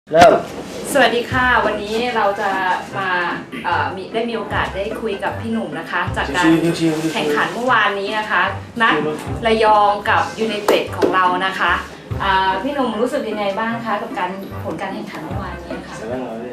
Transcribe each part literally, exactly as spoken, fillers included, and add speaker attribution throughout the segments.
Speaker 1: เริ่ม
Speaker 2: สวัสดีค่ะวันนี้เราจะมาเอ่อมีได้มีโอกาสได้คุยกับพี่หนุ่มนะคะจากการแข่งขันเมื่อวานนี้นะคะนัดระยองกับยูไนเต็ดของเรานะคะอ่าพี่หนุ่มรู้สึกยังไงบ้างคะกับการผลการแข่งขันเมื่อวานนี้ค่ะ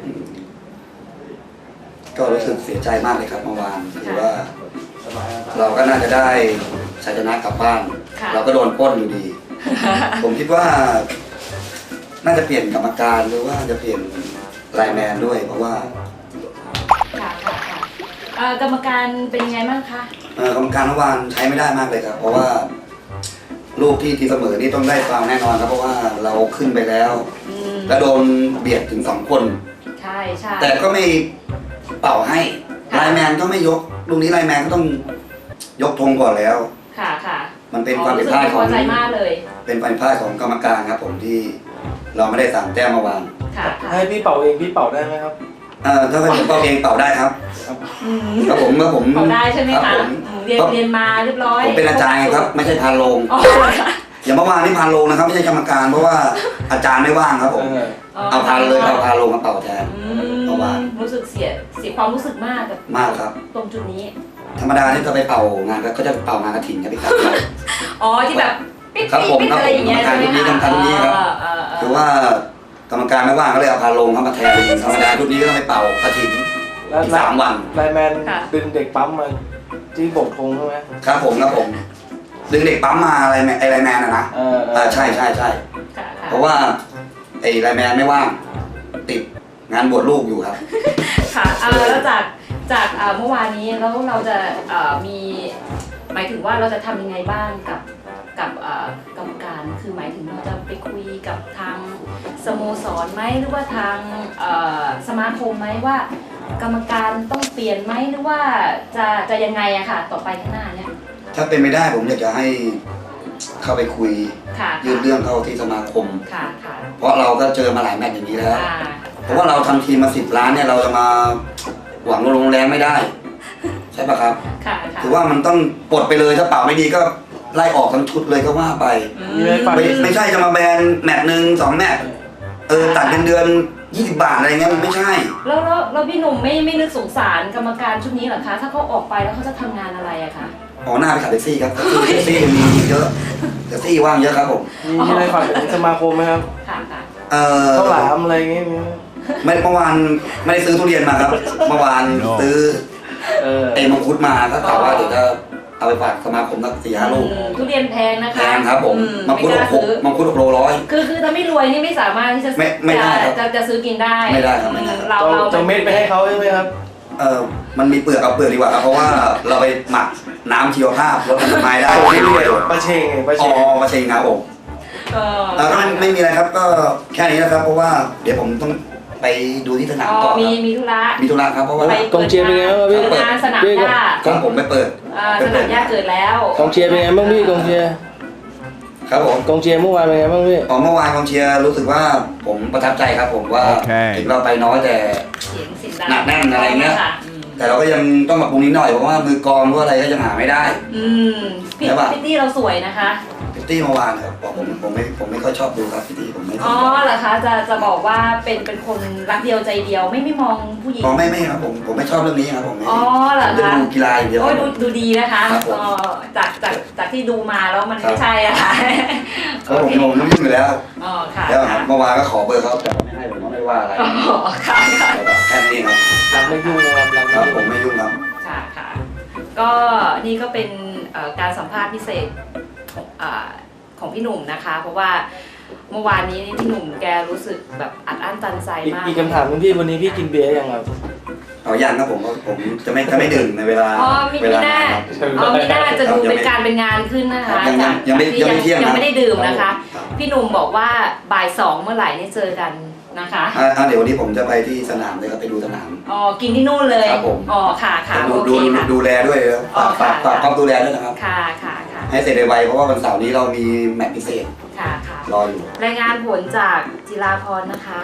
Speaker 3: ก็รู้สึกเสียใจมากเลยครับเมื่อวานคือว่าเราก็น่าจะได้ชัยชนะกลับบ้านเราก็โดนปล้นอยู่ดี ผมคิดว่าน่าจะเปลี่ยนกรรมการหรือว่าจะเปลี่ยนไลน์แมนด้วยเพราะว่า
Speaker 2: ค่ะค่ะค่ะเอ่อกรรมการเป็นยังไงบ้างคะ
Speaker 3: เอ่อกรรมการเมื่อวานใช้ไม่ได้มากเลยครับเพราะว่าลูกที่ทีเสมอนี่ต้องได้ฟาวล์แน่นอนครับเพราะว่าเราขึ้นไปแล้วและโดนเบียดถึงสองคน
Speaker 2: ใช่ใช่
Speaker 3: แต่ก็ไม่เป่าให้ไลน์แมนก็ไม่ยกลูกนี้ไลน์แมนก็ต้องยกธงก่อนแล้ว
Speaker 2: ค่ะค่ะ
Speaker 3: มันเป็นความผิดพลาดของเป็นความผิดพลาดของกรรมการครับผมที่เราไม่ได้สามแต้มเมื่อวาน
Speaker 1: ให้พี่เป่าเองพี่เป่าได้ไหมครับ
Speaker 3: เออถ้าเป็นผมเป่าเองเป่าได้ครับครับผมเมื่อผม
Speaker 2: เป่าได้ใช่ไหมคะเรียนเรียนมาเรียบร้อย
Speaker 3: ผมเป็นอาจารย์ครับไม่ใช่พานโรงอย่าเมื่อวานนี่พานโรงนะครับไม่ใช่กรรมการเพราะว่าอาจารย์ไม่ว่างครับผมเอาพานเลยเอาพานโรงมาเป่าแทนเมื่อวาน
Speaker 2: รู้สึกเสียเสียความรู้สึกมากกับ
Speaker 3: มากครับ
Speaker 2: ตรงจุดนี้
Speaker 3: ธรรมดาที่จะไปเป่างานก็จะเป่างานกฐินครับพี่ครับ
Speaker 2: อ๋อที่แบบปิ๊บปิ๊บปิ๊บอะไรอย่างเงี้ยใช่ไหมคะ
Speaker 3: กรรมการทุกนี้ครับคือว่ากรรมการไม่ว่างก็เลยเอาพาลงเข้ามาแทนธรรมดาทุกนี้ก็ต้องไปเป่ากฐินสามวัน
Speaker 1: ไลน์แมนดึงเด็กปั๊มมาที่โบกธงใช่ไหม
Speaker 3: ครับผมครับผมดึงเด็กปั๊มมาอะไรไอไลน์แมนนะนะอ่าใช่ใช่ใช่เพราะว่าไอไลน์แมนไม่ว่างติดงานบวชลูกอยู่ครับ
Speaker 2: ค่ะแล้วจากจากเมื่อวานนี้แล้วเราจะมีหมายถึงว่าเราจะทำยังไงบ้างกับกับกรรมการคือหมายถึงเราจะไปคุยกับทางสโมสรไหมหรือว่าทางสมาคมไหมว่ากรรมการต้องเปลี่ยนไหมหรือว่าจะจะยังไงอะค่ะต่อไปข้างหน้าเนี่ย
Speaker 3: ถ้าเป็นไม่ได้ผมอยากจะให้เข้าไปคุยยื่นเรื่องเข้าที่สมาคมเพราะเราก็เจอมาหลายแมตช์อย่างนี้แล้วเพราะว่าเราทำทีมมาสิบล้านเนี่ยเราจะมาหวังลงแรงไม่ได้ใช่ปะครับคือว่ามันต้องปลดไปเลยถ้าเป่าไม่ดีก็ไล่ออกทั้งชุดเลยก็ว่าไปไม่ไม่ใช่จะมาแบนแมตช์หนึ่งสองแมตช์เออตัดเงินเดือนยี่สิบบาทอะไรเงี้ยมันไม่ใช่
Speaker 2: แล้วแล้วแล้วพี่หนุ่มไม่ไม่นึกสงสารกรรมการชุดนี้หรอคะถ้าเขาออกไปแล้วเขาจะทำงานอะไรอะคะ
Speaker 3: อ๋อหน้าไปขับแท็กซี่ครับแท็กซี่มีเยอะแท็กซี่ว่างเยอะครับผม
Speaker 1: มีอะไรฝากถึงสมาคมไหมครับ
Speaker 2: ค่ะค่ะ
Speaker 3: เออ
Speaker 1: ข้าวหลามอะไรเงี้ย
Speaker 3: ไม่เมื่อวานไม่ได้ซื้อทุเรียนมาครับเมื่อวานซื้อเอมังคุดมาก็กล่าวว่าเดี๋ยวจะเอาไปฝากสมาคมนักสี่ห้าลูก
Speaker 2: ทุเรียนแพงนะคะ
Speaker 3: แพงครับผมมังคุดหกมังคุดหกโลร้อย
Speaker 2: คือคือถ้าไม่รวยนี่ไม่สามารถที่จะจะจะซื้อกินได้
Speaker 3: ไม่ได้ครับ
Speaker 2: เราเรา
Speaker 1: จะเม็ดไปให้เขาใช่ไหมครับ
Speaker 3: เออมันมีเปลือกเอาเปลือกดีกว่าครับเพราะว่าเราไปหมักน้ำชีวภาพลดน้ำลายได้
Speaker 1: ไม่รู้เลยปลาเชงปลาเชง
Speaker 3: อ๋อปลาเชงครับผมเออก็ไม่มีอะไรครับก็แค่นี้นะครับเพราะว่าเดี๋ยวผมต้องไปดูที่สนามต่อ
Speaker 2: มีมีธุระ
Speaker 3: มีธุระครับเพราะว่
Speaker 1: ากองเชียร์เป็นไงบ้างพี่
Speaker 2: เปิดสนามหญ้า
Speaker 3: ของผมไปเปิด
Speaker 2: สนามหญ้าเกิดแล้ว
Speaker 1: กองเชียร์เป็นไงบ้างพี่กองเชียร์
Speaker 3: ครับผม
Speaker 1: กองเชียร์เมื่อวานเป็นไงบ้างพี่
Speaker 3: อ๋อเมื่อวานกองเชียร์รู้สึกว่าผมประทับใจครับผมว่าถึงเราไปน้อยแต่หนักแน่นอะไรเงี้ยแต่เราก็ยังต้องปรับปรุงนิดหน่อยเพราะว่ามือกองหรืออะไรก็ยังหาไม่ได้
Speaker 2: อืมพี่พิตตี้เราสวยนะคะ
Speaker 3: พิตตี้เมื่อวานครับบอกผมผมไม่ผมไม่ค่อยชอบดูครับพิตตี้ผมไม่
Speaker 2: อ๋อเหรอคะจะจะบอกว่าเป็นเป็นคนรักเดียวใจเดียวไม่ไม่มองผู้หญิง
Speaker 3: อ๋อไม่ไม่ครับผมผมไม่ชอบเรื่องนี้ครับผม
Speaker 2: อ๋อเหรอคะ
Speaker 3: ดูกีฬาอย่างเดียว
Speaker 2: โอ้ยดูดูดีนะคะอ๋อจากจากจากที่ดูมาแล้วมันไม่ใช่อะค่ะ
Speaker 3: เพราะผมผมนุ่มอยู่แล้ว
Speaker 2: อ๋อค่ะ
Speaker 3: แล้วเมื่อวานก็ขอเบอร์เขาแต่ไม่ให้ผมก็ไม่ว่าอะไร
Speaker 2: อ๋อค่ะค่ะ
Speaker 3: แค่นี้ครับ
Speaker 1: เราไม่ยุ่งนะครับ
Speaker 3: ครับผมไม่ยุ่งครับ
Speaker 2: ค่ะค่ะก็นี่ก็เป็นการสัมภาษณ์พิเศษของพี่หนุ่มนะคะเพราะว่าเมื่อวานนี้พี่หนุ่มแกรู้สึกแบบอัดอั้นตันใจมาก
Speaker 1: อีกคำถามนึงพี่วันนี้พี่กินเบียร์ยังครับ
Speaker 3: อ๋อยังครับผมผมจะไม่จะไม่ดื่มในเวลา
Speaker 2: อ๋อมีหน้าอ๋อมีหน้าจะดูเป็นการเป็นงานขึ้นนะคะ
Speaker 3: ยังยังไม่ยังไม่เที่ยง
Speaker 2: ยังไม่ได้ดื่มนะคะพี่หนุ่มบอกว่าบ่ายสองเมื่อไหร่นี่เจอกันนะคะ
Speaker 3: อ่าเดี๋ยววันนี้ผมจะไปที่สนามเลยครับไปดูสนาม
Speaker 2: อ๋อกินที่นู่นเลย
Speaker 3: ครับผม
Speaker 2: อ๋อค่ะค่ะ
Speaker 3: โอเคค่ะดูแลด้วยฝากฝากฝากความดูแลด้วยนะครับ
Speaker 2: ค่ะค่ะค่ะ
Speaker 3: ให้เสร็จไวๆเพราะว่าวันเสาร์นี้เรามีแมตช์พิเศษ
Speaker 2: ค่ะค่ะ
Speaker 3: รออยู่
Speaker 2: รายงานผลจากจิราพรนะคะ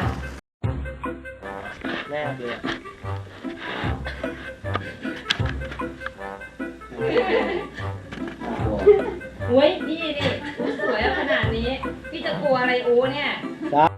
Speaker 1: แม่เลย
Speaker 2: อุ้ยพี่ดิสวยขนาดนี้พี่จะกลัวอะไรโอ้เนี่ย